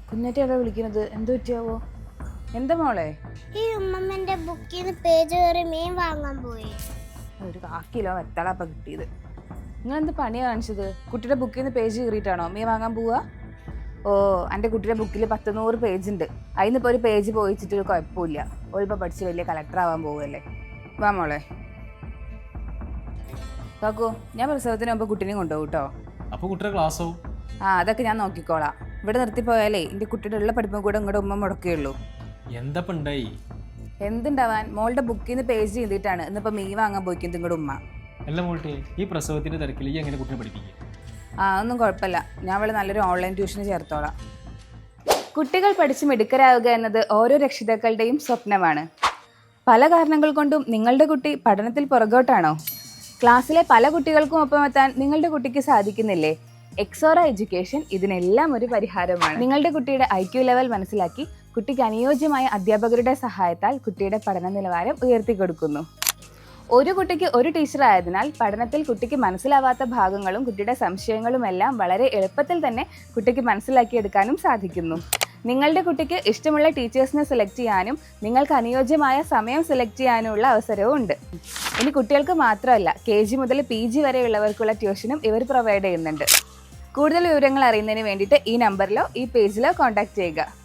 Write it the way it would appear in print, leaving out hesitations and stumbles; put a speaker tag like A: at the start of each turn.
A: കുഞ്ഞേറ്റിയാണോ വിളിക്കുന്നത്? എന്ത് പറ്റിയാവോ? എന്താ മോളെ?
B: ഈ ഉമ്മമ്മന്റെ ബുക്കിൽ നിന്ന് പേജ് കയറി മീൻ വാങ്ങാൻ പോയി.
A: ഒരു 1/4 കിലോ വെത്തളാപ്പ കിട്ടിയത്. നിങ്ങൾ എന്ത് പണിയാ കാണിച്ചത്? കുട്ടിയുടെ ബുക്കിൽ നിന്ന് പേജ് കയറിയിട്ടാണോ മീൻ വാങ്ങാൻ പോവുക? ഓ, എൻ്റെ കുട്ടിയുടെ ബുക്കിൽ 100 പേജ് ഉണ്ട്. അതിനിപ്പോൾ ഒരു പേജ് പോയിച്ചിട്ട് ഒരു കുഴപ്പമില്ല. ഒഴിപ്പോൾ പഠിച്ച് വലിയ കളക്ടർ ആവാൻ പോവുകയല്ലേ. വാ മോളെ. കാക്കോ, ഞാൻ പ്രസവത്തിന് മുമ്പ് കുട്ടീനെയും കൊണ്ടുപോകും കേട്ടോ.
C: അപ്പോൾ കുട്ടിയുടെ ക്ലാസ്സോ?
A: അതൊക്കെ ഞാൻ നോക്കിക്കോളാം. ഇവിടെ നിർത്തിപ്പോയാലേ എൻ്റെ കുട്ടിയുടെ ഉള്ള പഠിപ്പും കൂടെ ഇങ്ങോട്ട് ഉമ്മ മുടക്കുകയുള്ളൂ.
C: എന്തപ്പം ഉണ്ടായി?
A: എന്തുണ്ടാവാൻ, മോളുടെ ബുക്കിൽ നിന്ന് പേജ് ചെയ്തിട്ടാണ് ഇന്നിപ്പോൾ മീൻ വാങ്ങാൻ പോയിക്കുന്നത് നിങ്ങളുടെ ഉമ്മ.
C: അല്ല മോട്ടെ, ഈ പ്രസവത്തിന്റെ തിരക്കിൽ ഈ എങ്ങനെ കുട്ടിനെ പഠിപ്പിക്കുക?
A: ഒന്നും കുഴപ്പമില്ല, ഞാൻ അവളെ നല്ലൊരു ഓൺലൈൻ ട്യൂഷന് ചേർത്തോളാം. കുട്ടികൾ പഠിച്ച് മിടുക്കരാവുക എന്നത് ഓരോ രക്ഷിതാക്കളുടെയും സ്വപ്നമാണ്. പല കാരണങ്ങൾ കൊണ്ടും നിങ്ങളുടെ കുട്ടി പഠനത്തിൽ പുറകോട്ടാണോ? ക്ലാസ്സിലെ പല കുട്ടികൾക്കും ഒപ്പം എത്താൻ നിങ്ങളുടെ കുട്ടിക്ക് സാധിക്കുന്നില്ലേ? എക്സോറ എഡ്യൂക്കേഷൻ ഇതിനെല്ലാം ഒരു പരിഹാരമാണ്. നിങ്ങളുടെ കുട്ടിയുടെ IQ ലെവൽ മനസ്സിലാക്കി കുട്ടിക്ക് അനുയോജ്യമായ അധ്യാപകരുടെ സഹായത്താൽ കുട്ടിയുടെ പഠന നിലവാരം ഉയർത്തിക്കൊടുക്കുന്നു. ഒരു കുട്ടിക്ക് ഒരു ടീച്ചർ ആയതിനാൽ പഠനത്തിൽ കുട്ടിക്ക് മനസ്സിലാവാത്ത ഭാഗങ്ങളും കുട്ടിയുടെ സംശയങ്ങളും എല്ലാം വളരെ എളുപ്പത്തിൽ തന്നെ കുട്ടിക്ക് മനസ്സിലാക്കിയെടുക്കാനും സാധിക്കുന്നു. നിങ്ങളുടെ കുട്ടിക്ക് ഇഷ്ടമുള്ള ടീച്ചേഴ്സിനെ സെലക്ട് ചെയ്യാനും നിങ്ങൾക്ക് അനുയോജ്യമായ സമയം സെലക്ട് ചെയ്യാനുമുള്ള അവസരവും ഉണ്ട്. ഇനി കുട്ടികൾക്ക് മാത്രമല്ല, KG മുതൽ PG വരെയുള്ളവർക്കുള്ള ട്യൂഷനും ഇവർ പ്രൊവൈഡ് ചെയ്യുന്നുണ്ട്. കൂടുതൽ വിവരങ്ങൾ അറിയുന്നതിന് വേണ്ടിയിട്ട് ഈ നമ്പറിലോ ഈ പേജിലോ കോൺടാക്ട് ചെയ്യുക.